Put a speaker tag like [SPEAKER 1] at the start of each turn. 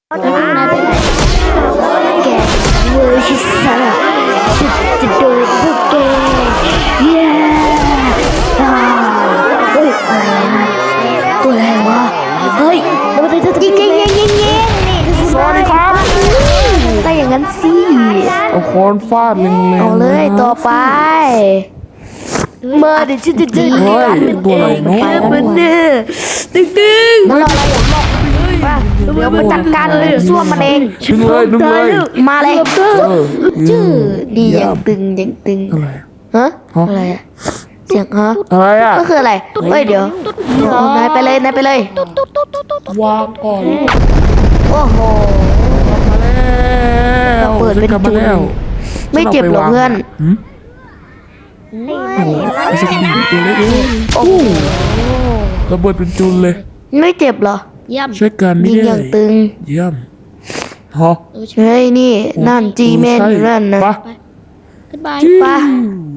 [SPEAKER 1] แล้วพวกนายไปไหนแกเวอร์ชิสาฉันจะโดนพวกแกเย้เฮ้ยอะไรนะตัวอะไรวะเฮ้ยมันเป็นตัวยิงสวัสดีครับแต่อย่างนั้นสิ
[SPEAKER 2] เอาค้อนฟาดแรงๆ
[SPEAKER 1] เอาเลยต่อไปมาเดี๋ยวฉันจะเจอ
[SPEAKER 2] เฮ้ยตัวอะไรเนาะ
[SPEAKER 1] มันเนี่ยตึงๆมันรออะไรอย่างบอกว่าเดี๋ยวมาจัดการเลยส้วมมันเอง
[SPEAKER 2] ดึงเลยดึงเลย
[SPEAKER 1] มาเลย ชื่อดีอย่างตึง
[SPEAKER 2] อะไร
[SPEAKER 1] ฮะอะไรอะเสียงฮะ
[SPEAKER 2] อะไรอ่ะ
[SPEAKER 1] ก็คืออะไรเฮ้ยเดี๋ยว นายไปเลย
[SPEAKER 2] วางก่อน
[SPEAKER 1] โอ้โห
[SPEAKER 2] มาแล้ว
[SPEAKER 1] เปิดเป็น
[SPEAKER 2] ฉักลับมา
[SPEAKER 1] จุด
[SPEAKER 2] แล้ว
[SPEAKER 1] ไม่เจ็บหรอเพื่อน
[SPEAKER 2] หืมโอ้โหไอ้สกินตัวเล็กเอง
[SPEAKER 1] โอ้โห
[SPEAKER 2] ระเบิดเป็นจุนเลย
[SPEAKER 1] ไม่เจ็บเหรอ
[SPEAKER 2] ช่วยกัน
[SPEAKER 1] ยิ
[SPEAKER 2] นี่
[SPEAKER 1] งอย่างตึง
[SPEAKER 2] เยี่ยมฮะ
[SPEAKER 1] เฮ้ยนี่นั่นจีแมนอยู่นั่นนะ
[SPEAKER 2] ไป
[SPEAKER 1] ไป